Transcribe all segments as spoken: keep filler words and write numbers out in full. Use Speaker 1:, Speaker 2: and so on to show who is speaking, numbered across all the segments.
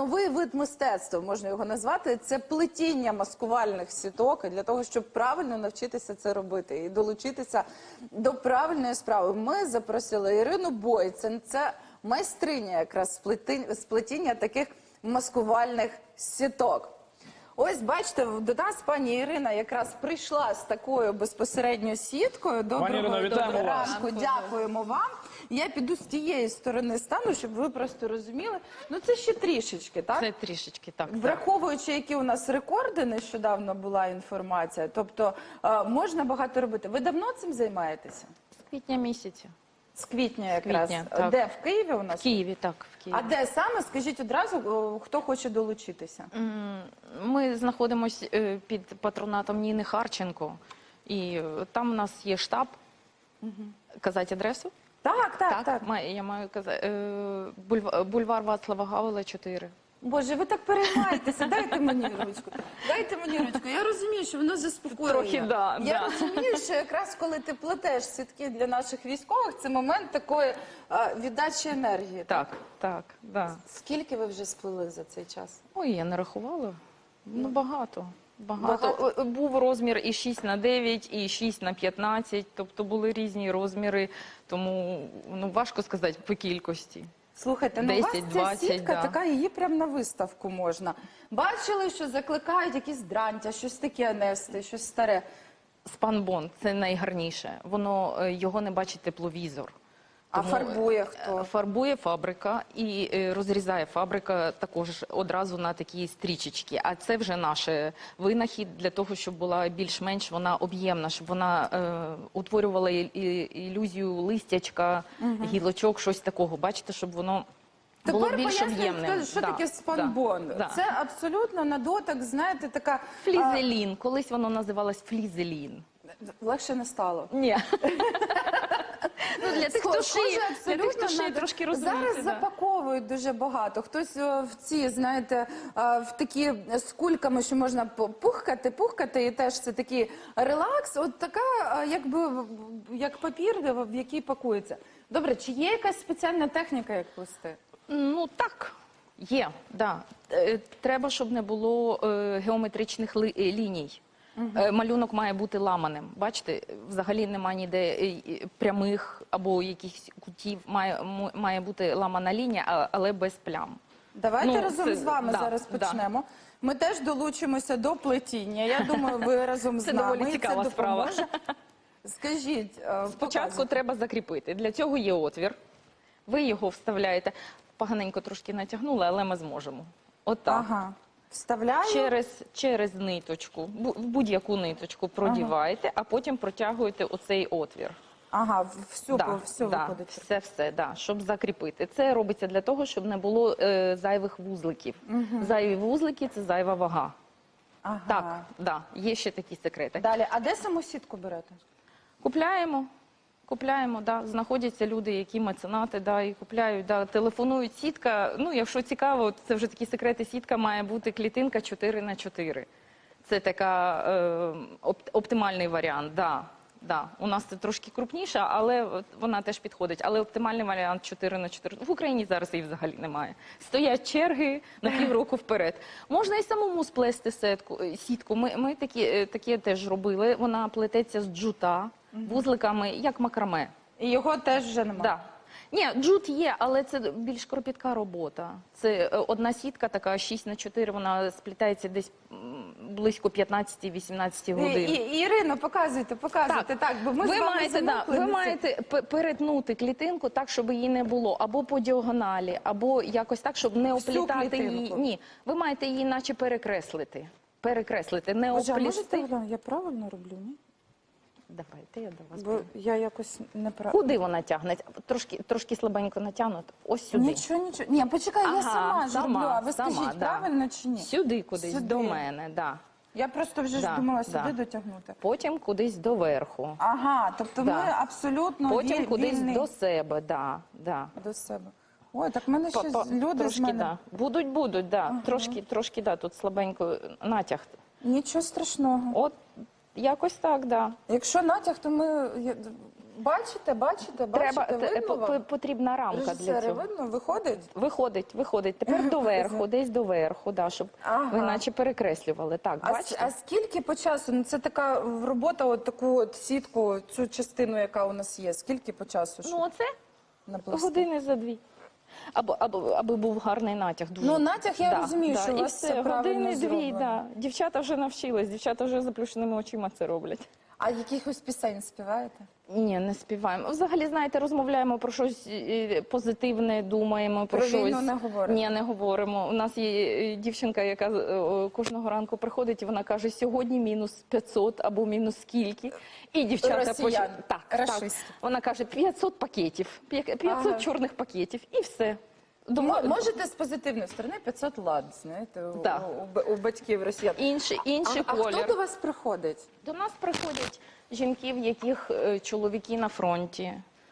Speaker 1: новий вид мистецтва, можна його назвати. Це плетіння маскувальних сіток, і для того, щоб правильно навчитися це робити і долучитися до правильної справи. Ми запросили Ірину Бойцен, це майстриня якраз сплетіння таких маскувальних сіток. Ось, бачите, до нас пані Ірина якраз прийшла з такою безпосередньо сіткою. Доброго, доброго ранку, дякуємо вам. Я піду з тієї сторони стану, щоб ви просто розуміли. Ну, це ще трішечки, так?
Speaker 2: Це трішечки, так.
Speaker 1: Враховуючи, які у нас рекорди, нещодавно була інформація, тобто можна багато робити. Ви давно цим займаєтеся?
Speaker 2: З квітня місяця.
Speaker 1: З квітня якраз.
Speaker 2: З квітня,
Speaker 1: де? В Києві у нас?
Speaker 2: В Києві, так. В Києві.
Speaker 1: А де саме? Скажіть одразу, хто хоче долучитися.
Speaker 2: Ми знаходимося під патронатом Ніни Харченко. І там у нас є штаб. Угу. Казати адресу?
Speaker 1: Так, так, так.
Speaker 2: так. Я маю казати. Бульвар Вацлава Гавела, чотири.
Speaker 1: Боже, ви так переймаєтеся. Дайте мені ручку. Дайте мені ручку. Я розумію, що воно заспокоює.
Speaker 2: Трохи, да.
Speaker 1: Я
Speaker 2: да.
Speaker 1: розумію, що якраз коли ти плетеш сітки для наших військових, це момент такої а, віддачі енергії.
Speaker 2: Так, так, да.
Speaker 1: Скільки ви вже сплели за цей час?
Speaker 2: Ой, я не рахувала. Ну, багато. Багато. Багато. Був розмір і шість на дев'ять, і шість на п'ятнадцять, тобто були різні розміри, тому ну, важко сказати по кількості.
Speaker 1: Слухайте, ну
Speaker 2: десять,
Speaker 1: у вас
Speaker 2: двадцять,
Speaker 1: ця сітка
Speaker 2: да.
Speaker 1: така, її прямо на виставку можна. Бачили, що закликають якісь дрантя, щось таке нести, щось старе.
Speaker 2: Спанбонд – це найгарніше. Воно, його не бачить тепловізор.
Speaker 1: А тому фарбує хто?
Speaker 2: Фарбує фабрика і розрізає фабрика також одразу на такі стрічечки. А це вже наш винахід для того, щоб була більш-менш вона об'ємна, щоб вона е, утворювала ілюзію листячка, угу. гілочок, щось такого. Бачите, щоб воно було
Speaker 1: Тепер
Speaker 2: більш об'ємним.
Speaker 1: Що
Speaker 2: да,
Speaker 1: таке спанбонд?
Speaker 2: Да,
Speaker 1: це да. абсолютно на дотик, знаєте, така...
Speaker 2: Флізелін. А... Колись воно називалось флізелін.
Speaker 1: Легше не стало.
Speaker 2: Ні. Ну, для тих, хто шиє,
Speaker 1: для тих, хто шиє,
Speaker 2: трошки розуміти.
Speaker 1: Зараз
Speaker 2: да.
Speaker 1: запаковують дуже багато. Хтось в ці, знаєте, в такі з кульками, що можна пухкати, пухкати, і теж це такий релакс. От така, якби, як папір, в який пакується. Добре, чи є якась спеціальна техніка, як плести?
Speaker 2: Ну, так. Є, да. Треба, щоб не було е, геометричних ли, ліній. Угу. Малюнок має бути ламаним. Бачите, взагалі немає ніде прямих або якихось кутів. Має, має бути ламана лінія, але без плям.
Speaker 1: Давайте
Speaker 2: ну,
Speaker 1: разом
Speaker 2: це,
Speaker 1: з вами
Speaker 2: да,
Speaker 1: зараз почнемо.
Speaker 2: Да.
Speaker 1: Ми теж долучимося до плетіння. Я думаю, ви разом з
Speaker 2: це
Speaker 1: нами.
Speaker 2: Це доволі цікава справа.
Speaker 1: Скажіть,
Speaker 2: спочатку
Speaker 1: показуйте.
Speaker 2: Треба закріпити. Для цього є отвір. Ви його вставляєте. Поганенько трошки натягнули, але ми зможемо. Отак.
Speaker 1: Ага. Вставляю.
Speaker 2: Через, через ниточку, в будь-яку ниточку продіваєте, ага. а потім протягуєте оцей отвір.
Speaker 1: Ага, всю,
Speaker 2: да,
Speaker 1: всю
Speaker 2: да,
Speaker 1: виходить.
Speaker 2: Все, все, да, щоб закріпити. Це робиться для того, щоб не було е, зайвих вузликів. Угу. Зайві вузлики – це зайва вага.
Speaker 1: Ага.
Speaker 2: Так, да, є ще такі секрети.
Speaker 1: Далі, а де саму сітку берете?
Speaker 2: Купляємо. Купляємо, да, знаходяться люди, які меценати, да, і купляють, да, телефонують. Сітка, ну, якщо цікаво, це вже такі секрети, сітка має бути клітинка чотири на чотири. Це така е, оп, оптимальний варіант, да, да. У нас це трошки крупніша, але вона теж підходить. Але оптимальний варіант чотири на чотири. В Україні зараз її взагалі немає. Стоять черги на півроку вперед. Можна і самому сплести сітку. сітку. Ми, ми такі, такі теж робили. Вона плететься з джута. Вузликами, як макраме.
Speaker 1: І його теж вже немає?
Speaker 2: Да. Ні, джут є, але це більш кропітка робота. Це одна сітка, така шість на чотири, вона сплітається десь близько п'ятнадцять-вісімнадцять годин.
Speaker 1: І, і, Ірино, показуйте, показуйте. Так, так бо ми
Speaker 2: ви,
Speaker 1: з вами
Speaker 2: маєте, да, ви маєте перетнути клітинку так, щоб її не було. Або по діагоналі, або якось так, щоб не оплітати її. Ні, ви маєте її наче перекреслити. Перекреслити, не
Speaker 1: Боже,
Speaker 2: оплісти.
Speaker 1: А можете, я правильно роблю, ні?
Speaker 2: Давайте, я до вас.
Speaker 1: Бо я якось не правильно.
Speaker 2: Куди вона тягне? Трошки, трошки слабенько натягнуто. Ось сюди.
Speaker 1: Нічого, нічого. Ні, почекай,
Speaker 2: ага,
Speaker 1: я сама,
Speaker 2: сама
Speaker 1: роблю. А ви
Speaker 2: сама,
Speaker 1: скажіть,
Speaker 2: да.
Speaker 1: правильно чи ні?
Speaker 2: Сюди кудись,
Speaker 1: сюди.
Speaker 2: до мене, да.
Speaker 1: Я просто вже
Speaker 2: да,
Speaker 1: ж думала сюди
Speaker 2: да.
Speaker 1: дотягнути.
Speaker 2: Потім кудись доверху.
Speaker 1: Ага, тобто
Speaker 2: да.
Speaker 1: ми абсолютно
Speaker 2: Потім
Speaker 1: віль,
Speaker 2: кудись
Speaker 1: вільний...
Speaker 2: до себе, да, да.
Speaker 1: До себе. Ой, так в мене ще
Speaker 2: Па -па,
Speaker 1: люди
Speaker 2: трошки,
Speaker 1: з мене...
Speaker 2: да. Будуть, будуть, да.
Speaker 1: Ага.
Speaker 2: Трошки, трошки, да, тут слабенько натяг.
Speaker 1: Нічого страшного.
Speaker 2: От, якось так, да.
Speaker 1: Якщо натяг, то ми... Бачите, бачите,
Speaker 2: Треба,
Speaker 1: бачите,
Speaker 2: те-
Speaker 1: видно
Speaker 2: по-
Speaker 1: вам?
Speaker 2: потрібна рамка для
Speaker 1: Режисери,
Speaker 2: цього.
Speaker 1: видно, виходить?
Speaker 2: Виходить, виходить. Тепер доверху, десь доверху, да, щоб
Speaker 1: Ага.
Speaker 2: ви наче перекреслювали. Так,
Speaker 1: А, с-
Speaker 2: бачите?
Speaker 1: а скільки по часу? Ну, це така робота, от таку от сітку, цю частину, яка у нас є. Скільки по часу? щоб
Speaker 2: Ну, оце
Speaker 1: наплести?
Speaker 2: години за дві. Або, або, аби був гарний натяг. Дуже.
Speaker 1: Ну, натяг, я розумію, що у
Speaker 2: і
Speaker 1: вас
Speaker 2: все,
Speaker 1: це правильно
Speaker 2: години дві,
Speaker 1: зроблено.
Speaker 2: да. Дівчата вже навчились, дівчата вже заплющеними очима це роблять.
Speaker 1: А якихось пісень співаєте?
Speaker 2: Ні, не співаємо. Взагалі, знаєте, розмовляємо про щось е, позитивне, думаємо про,
Speaker 1: Про
Speaker 2: щось.
Speaker 1: війну не говорите?
Speaker 2: Ні, не говоримо. У нас є е, дівчинка, яка е, кожного ранку приходить, і вона каже, сьогодні мінус п'ятсот або мінус скільки. І дівчата
Speaker 1: Росіян,
Speaker 2: так, так.
Speaker 1: рашисти.
Speaker 2: Вона каже, п'ятсот пакетів, п'ятсот
Speaker 1: Ага.
Speaker 2: чорних пакетів, і все.
Speaker 1: Мо-
Speaker 2: Думаю,
Speaker 1: Можете з позитивної сторони п'ятсот лад, знаєте, у,
Speaker 2: Да.
Speaker 1: у, б- у батьків росіян.
Speaker 2: інший, інший
Speaker 1: а, а
Speaker 2: колір.
Speaker 1: хто до вас приходить?
Speaker 2: До нас приходять жінки, в яких е, чоловіки на фронті,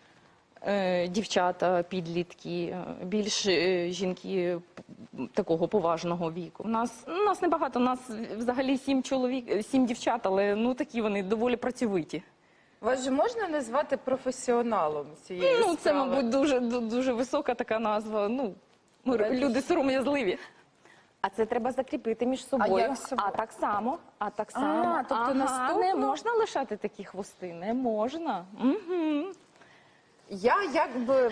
Speaker 2: е, дівчата, підлітки, е, більш е, жінки п- такого поважного віку. У нас, у нас небагато, у нас взагалі сім чоловік, е, сім дівчат, але ну такі вони доволі працьовиті.
Speaker 1: Вас же можна назвати професіоналом цієї
Speaker 2: Ну, це,
Speaker 1: справи?
Speaker 2: мабуть, дуже, ду- дуже висока така назва. Ну, ми
Speaker 1: Давайте
Speaker 2: люди сором'язливі. А це треба закріпити між собою.
Speaker 1: як з собою?
Speaker 2: А так само, а так
Speaker 1: А,
Speaker 2: само.
Speaker 1: тобто
Speaker 2: ага,
Speaker 1: наступно-
Speaker 2: не можна лишати такі хвости, не можна. Угу.
Speaker 1: Я якби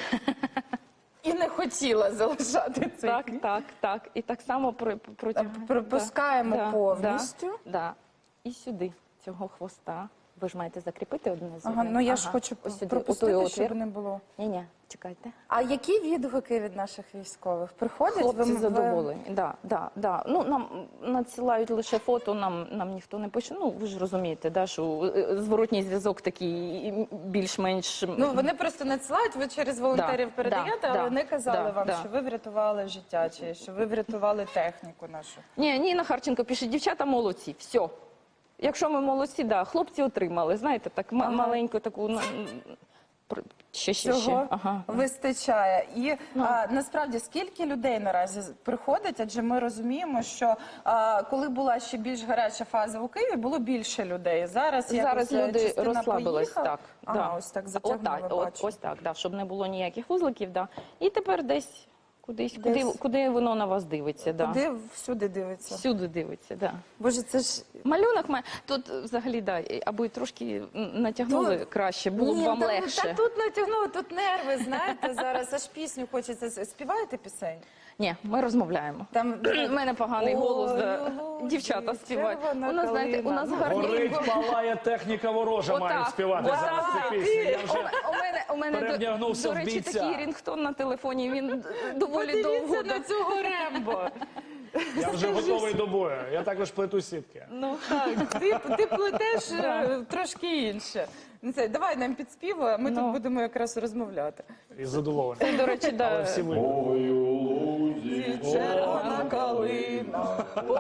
Speaker 1: і не хотіла залишати цей
Speaker 2: Так,
Speaker 1: кліп.
Speaker 2: так, так. І так само про- протягом...
Speaker 1: Пропускаємо
Speaker 2: Да,
Speaker 1: повністю.
Speaker 2: Да, да. І сюди цього хвоста. Ви ж маєте закріпити одне з
Speaker 1: Ага,
Speaker 2: одним.
Speaker 1: ну я ж
Speaker 2: Ага.
Speaker 1: хочу
Speaker 2: Ось сюди,
Speaker 1: пропустити,
Speaker 2: отой
Speaker 1: щоб
Speaker 2: отвір.
Speaker 1: не було.
Speaker 2: Ні-ні, чекайте.
Speaker 1: А які відгуки від наших військових? Приходять?
Speaker 2: Хлопці
Speaker 1: ви- ви-
Speaker 2: задоволені. Да, да, да. Ну, нам надсилають лише фото, нам, нам ніхто не пише. Ну, ви ж розумієте, да, що е, зворотній зв'язок такий м, більш-менш...
Speaker 1: Ну, вони просто надсилають, ви через волонтерів
Speaker 2: Да,
Speaker 1: передаєте,
Speaker 2: да,
Speaker 1: але
Speaker 2: да,
Speaker 1: вони казали
Speaker 2: да,
Speaker 1: вам,
Speaker 2: да.
Speaker 1: що ви врятували життя, чи що ви врятували техніку нашу.
Speaker 2: Ні, Ніна Харченко пише, дівчата молодці, все. Якщо ми молодці, да, хлопці отримали, знаєте, так ма-
Speaker 1: Ага.
Speaker 2: маленьку таку... ну, пр- Ще, ще, ще.
Speaker 1: Цього
Speaker 2: Ага.
Speaker 1: вистачає. І
Speaker 2: Ну.
Speaker 1: а, насправді, скільки людей наразі з- приходить? Адже ми розуміємо, що а, коли була ще більш гаряча фаза у Києві, було більше людей. Зараз,
Speaker 2: Зараз
Speaker 1: якось,
Speaker 2: люди
Speaker 1: частина
Speaker 2: розслабились,
Speaker 1: поїхала.
Speaker 2: так.
Speaker 1: Ага,
Speaker 2: да.
Speaker 1: ось так
Speaker 2: От
Speaker 1: затягнули,
Speaker 2: так, от,
Speaker 1: бачу.
Speaker 2: ось так, да, щоб не було ніяких вузликів. Да. І тепер десь, кудись,
Speaker 1: Десь.
Speaker 2: Куди, куди воно на вас дивиться. Да.
Speaker 1: Куди всюди дивиться?
Speaker 2: Всюди дивиться, да.
Speaker 1: Боже, це ж
Speaker 2: Малюнок має. Тут е, взагалі, да, і- аби трошки м, натягнули
Speaker 1: Тут-
Speaker 2: краще, було б
Speaker 1: Ні,
Speaker 2: вам
Speaker 1: та,
Speaker 2: легше.
Speaker 1: Та тут натягнули, тут нерви, знаєте, зараз аж пісню хочеться. Співаєте пісень?
Speaker 2: Ні, ми розмовляємо.
Speaker 1: Там
Speaker 2: У мене поганий
Speaker 1: Ой,
Speaker 2: голос, да.
Speaker 1: у лузі
Speaker 2: Дівчата співають. У
Speaker 1: червона
Speaker 2: нас, знаєте, у нас
Speaker 1: калина.
Speaker 2: гарні.
Speaker 3: Горить, палає техніка ворожа,
Speaker 2: Отак,
Speaker 3: мають співати
Speaker 2: отак.
Speaker 3: зараз цю пісню. Я
Speaker 2: У
Speaker 3: вже
Speaker 2: мене, у мене, у мене до,
Speaker 3: перевдягнувся
Speaker 2: до
Speaker 3: в
Speaker 2: речі,
Speaker 3: бійця.
Speaker 2: такий рінгтон на телефоні, він доволі довго.
Speaker 1: Подивіться на цього Рембо.
Speaker 3: я вже готовий до бою. Я також плету сітки.
Speaker 2: Ну,
Speaker 1: Так, ти, ти плетеш е, трошки інше. Ну, це, давай нам підспівуй, а ми
Speaker 2: Ну.
Speaker 1: тут будемо якраз розмовляти.
Speaker 3: Із задоволенням.
Speaker 2: до речі,
Speaker 3: Але
Speaker 2: да.
Speaker 3: всі ви.
Speaker 1: Червона калина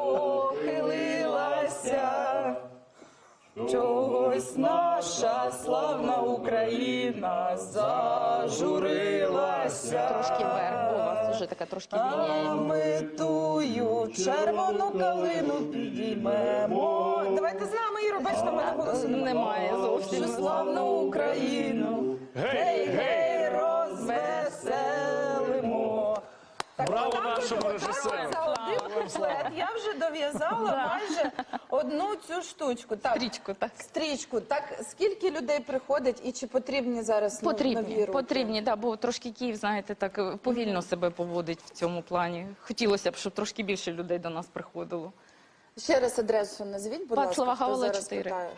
Speaker 1: похилилася, чогось наша славна Україна зажурилася.
Speaker 2: Трошки вверх, бо у вас вже така трошки
Speaker 1: А
Speaker 2: лінія.
Speaker 1: ми тую червону калину підіймемо. Давайте з нами, Іро, бачите, в мене голосу немає.
Speaker 2: Немає зовсім.
Speaker 1: Що славну Україну,
Speaker 3: Гей, гей!
Speaker 1: розвеселимо. Так,
Speaker 3: Браво
Speaker 1: отак
Speaker 3: нашому
Speaker 1: от,
Speaker 3: режисеру.
Speaker 1: отак от За один куплет я вже дов'язала майже одну цю штучку. Так,
Speaker 2: Стрічку, так.
Speaker 1: стрічку. Так, скільки людей приходить і чи потрібні зараз ну, нові
Speaker 2: Потрібні,
Speaker 1: руки?
Speaker 2: потрібні, да, бо трошки Київ, знаєте, так е, повільно себе поводить в цьому плані. Хотілося б, щоб трошки більше людей до нас приходило.
Speaker 1: Ще раз адресу назвіть, будь
Speaker 2: Вацлава
Speaker 1: ласка, хто
Speaker 2: Гавела,
Speaker 1: зараз
Speaker 2: чотири.
Speaker 1: питає.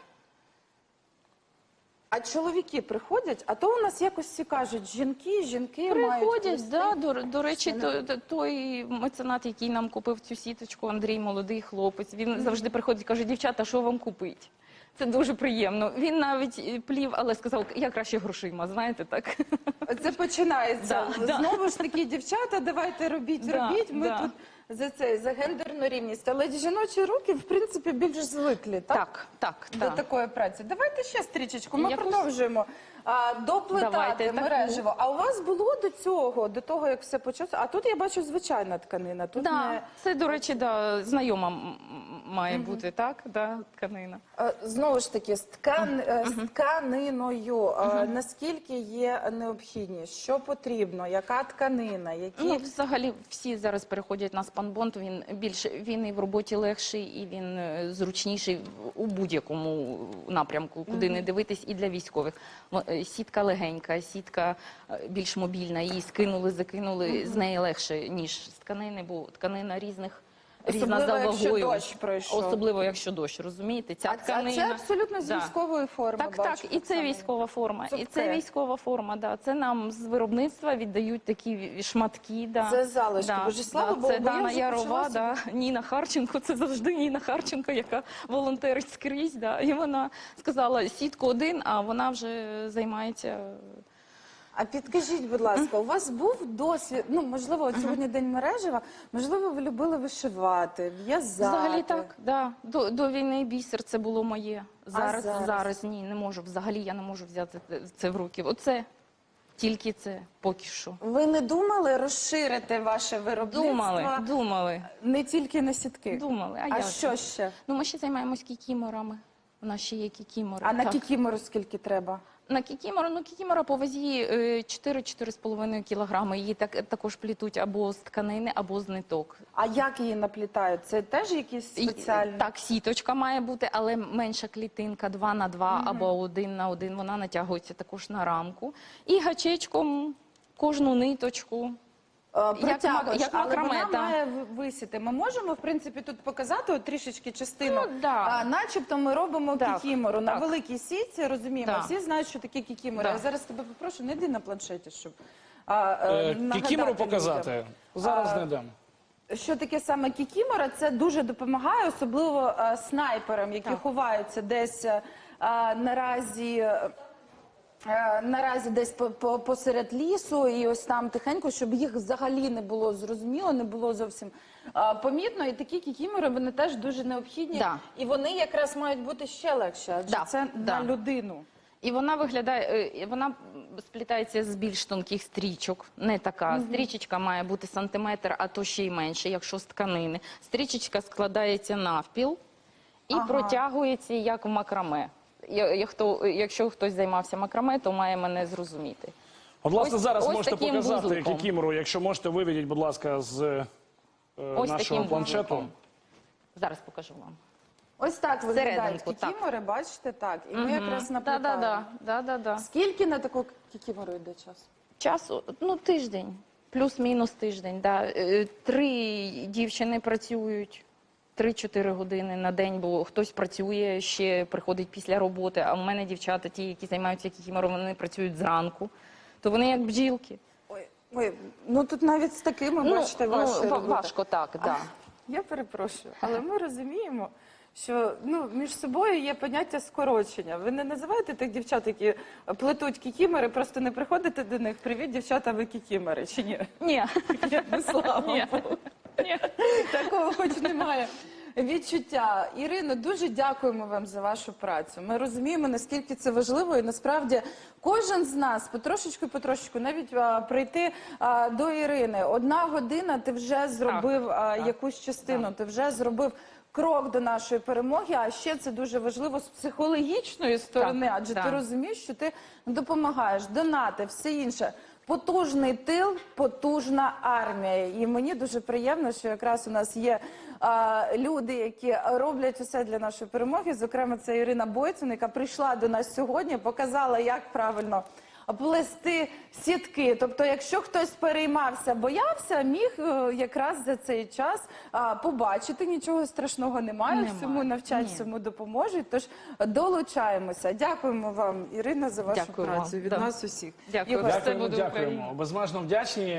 Speaker 1: А чоловіки приходять, а то у нас якось всі кажуть, жінки, жінки мають
Speaker 2: Приходять,
Speaker 1: плести.
Speaker 2: да, до, до речі,
Speaker 1: Це
Speaker 2: то, то- той меценат, який нам купив цю сіточку, Андрій, молодий хлопець, він завжди приходить і каже, дівчата, що вам купить? Це дуже приємно. Він навіть е, плів, але сказав, я краще грошима, знаєте, так?
Speaker 1: Це починається.
Speaker 2: Да, да.
Speaker 1: Знову ж таки, дівчата, давайте робіть,
Speaker 2: Да,
Speaker 1: робіть. Ми
Speaker 2: да.
Speaker 1: тут за це, за гендерну рівність. Але жіночі руки, в принципі, більш звиклі, так?
Speaker 2: Так, так,
Speaker 1: До
Speaker 2: так.
Speaker 1: такої праці. Давайте ще стрічечку. Ми
Speaker 2: Якусь?
Speaker 1: продовжуємо а, доплетати
Speaker 2: Давайте таку.
Speaker 1: мережево. А у вас було до цього, до того, як все почалося? А тут я бачу звичайна тканина. Тут
Speaker 2: Да,
Speaker 1: не...
Speaker 2: це, до речі, да, знайома м- м- має бути, так? Да, тканина.
Speaker 1: Е, Знову ж таки, з, ткан... е, з тканиною, е, наскільки є необхідність, що потрібно, яка тканина, які...
Speaker 2: Ну, взагалі, всі зараз переходять на спанбонд, він більше, він і в роботі легший, і він е, зручніший в- у будь-якому напрямку, куди не дивитись, і для військових. Мо- е, Сітка легенька, сітка е, більш мобільна, її скинули, закинули, з неї легше, ніж з тканини, бо тканина різних, різна за
Speaker 1: Особливо, якщо
Speaker 2: вагою.
Speaker 1: дощ пройшов.
Speaker 2: Особливо, якщо дощ, розумієте? Ця
Speaker 1: А це,
Speaker 2: тканина...
Speaker 1: це абсолютно з
Speaker 2: Да.
Speaker 1: військової форми.
Speaker 2: Так,
Speaker 1: бачу,
Speaker 2: так, і це
Speaker 1: саме.
Speaker 2: військова форма, і
Speaker 1: Цупке.
Speaker 2: це військова форма, да. Це нам з виробництва віддають такі ві- шматки, да.
Speaker 1: Це залишки. Боже, слава Богу,
Speaker 2: Це
Speaker 1: бо я
Speaker 2: Дана
Speaker 1: вже
Speaker 2: Ярова,
Speaker 1: почала
Speaker 2: да. Ніна Харченко, це завжди Ніна Харченко, яка волонтерить скрізь, да. І вона сказала, сітку один, а вона вже займається...
Speaker 1: А підкажіть, будь ласка, у вас був досвід, ну, можливо, от сьогодні День мережева, можливо, ви любили вишивати, в'язати?
Speaker 2: Взагалі так, да. До, до війни бісер це було моє. Зараз,
Speaker 1: зараз?
Speaker 2: зараз ні, не можу. Взагалі я не можу взяти це в руки. Оце, тільки це, поки що.
Speaker 1: Ви не думали розширити ваше виробництво?
Speaker 2: Думали, думали,
Speaker 1: Не тільки на сітки?
Speaker 2: думали. А,
Speaker 1: А
Speaker 2: як
Speaker 1: що
Speaker 2: же?
Speaker 1: ще?
Speaker 2: Ну, ми ще займаємось кікіморами. У нас ще є кікімори.
Speaker 1: А на
Speaker 2: Так.
Speaker 1: кікімору скільки треба?
Speaker 2: На кікімору, ну кікімора по вазі е, чотири-чотири з половиною кілограми. Її так, також плітуть або з тканини, або з ниток.
Speaker 1: А як її наплітають? Це теж якісь
Speaker 2: І,
Speaker 1: спеціальні?
Speaker 2: Так, сіточка має бути, але менша клітинка, два на два або один на один. Вона натягується також на рамку. І гачечком кожну ниточку.
Speaker 1: Е, Протягуєш,
Speaker 2: як
Speaker 1: але
Speaker 2: макраме,
Speaker 1: вона
Speaker 2: да.
Speaker 1: має в- висіти. Ми можемо, в принципі, тут показати от трішечки частину.
Speaker 2: Ну, да.
Speaker 1: А, начебто ми робимо
Speaker 2: Так,
Speaker 1: кікімору на
Speaker 2: так.
Speaker 1: великій сітці, розуміємо.
Speaker 2: Да.
Speaker 1: Всі знають, що таке кікімора.
Speaker 2: Да.
Speaker 1: Я зараз тебе попрошу, не йди на планшеті, щоб а, е,
Speaker 3: Е,
Speaker 1: нагадати
Speaker 3: Кікімору
Speaker 1: людям.
Speaker 3: показати? Зараз
Speaker 1: А,
Speaker 3: не дам.
Speaker 1: Що таке саме кікімора? Це дуже допомагає, особливо е, снайперам, які
Speaker 2: Так.
Speaker 1: ховаються десь е, наразі. е, Е, Наразі десь по- по- посеред лісу і ось там тихенько, щоб їх взагалі не було зрозуміло, не було зовсім е, помітно. І такі кікімори, вони теж дуже необхідні.
Speaker 2: Да.
Speaker 1: І вони якраз мають бути ще легше, адже
Speaker 2: Да,
Speaker 1: це
Speaker 2: да.
Speaker 1: на людину.
Speaker 2: І вона виглядає, е, вона сплітається з більш тонких стрічок, не така. Стрічечка має бути сантиметр, а то ще й менше, якщо з тканини. Стрічечка складається навпіл і
Speaker 1: Ага.
Speaker 2: протягується як в макраме. Я- я хто- Якщо хтось займався макраме, то має мене зрозуміти.
Speaker 3: От, власне,
Speaker 2: ось-
Speaker 3: зараз
Speaker 2: ось
Speaker 3: можете
Speaker 2: таким
Speaker 3: показати
Speaker 2: вузликом.
Speaker 3: кікімору. Якщо можете, виведіть, будь ласка, з е,
Speaker 2: Ось
Speaker 3: нашого
Speaker 2: таким
Speaker 3: планшету.
Speaker 2: вузликом. Зараз покажу вам.
Speaker 1: Ось так виглядають
Speaker 2: Всерединку, так.
Speaker 1: кікімори, бачите, так. І ми якраз
Speaker 2: Да,
Speaker 1: наплітаємо.
Speaker 2: да, да, да, да, да.
Speaker 1: Скільки на таку кікімору йде час?
Speaker 2: Часу, ну, тиждень, плюс-мінус тиждень. Да. Е, Три дівчини працюють, три-чотири години на день, бо хтось працює, ще приходить після роботи, а в мене дівчата, ті, які займаються кікімором, вони працюють зранку, то вони як бджілки.
Speaker 1: Ой, ой, ну тут навіть з такими, бачите, важче
Speaker 2: ва-
Speaker 1: робити.
Speaker 2: важко так, да.
Speaker 1: Я перепрошую, але ми розуміємо, що ну, між собою є поняття скорочення. Ви не називаєте тих дівчат, які плетуть кікімори, просто не приходите до них. Привіт, дівчата, ви кікімори, чи ні?
Speaker 2: Ні,
Speaker 1: Ну, слава
Speaker 2: Ні.
Speaker 1: Богу.
Speaker 2: ні.
Speaker 1: Такого хоч немає відчуття. Ірино, дуже дякуємо вам за вашу працю. Ми розуміємо, наскільки це важливо, і насправді кожен з нас потрошечку, потрошечку, навіть а, прийти а, до Ірини. Одна година ти вже зробив а,
Speaker 2: так.
Speaker 1: якусь частину, ти вже зробив крок до нашої перемоги. А ще це дуже важливо з психологічної сторони,
Speaker 2: Так,
Speaker 1: адже
Speaker 2: так.
Speaker 1: ти розумієш, що ти допомагаєш, донати, все інше. Потужний тил, потужна армія. І мені дуже приємно, що якраз у нас є а, люди, які роблять усе для нашої перемоги. Зокрема, це Ірина Бойцун, яка прийшла до нас сьогодні, показала, як правильно плести сітки. Тобто, якщо хтось переймався, боявся, міг е, якраз за цей час а, побачити, нічого страшного немає,
Speaker 2: Немає.
Speaker 1: всьому навчать,
Speaker 2: Ні.
Speaker 1: всьому допоможуть. Тож долучаємося. Дякуємо вам, Ірина, за вашу
Speaker 2: Дякую вам.
Speaker 1: працю від
Speaker 2: Да.
Speaker 1: нас усіх.
Speaker 2: Дякую.
Speaker 1: Ігор,
Speaker 2: Все
Speaker 3: Дякуємо,
Speaker 2: буде
Speaker 3: дякуємо.
Speaker 2: Україна.
Speaker 3: Безмежно вдячні.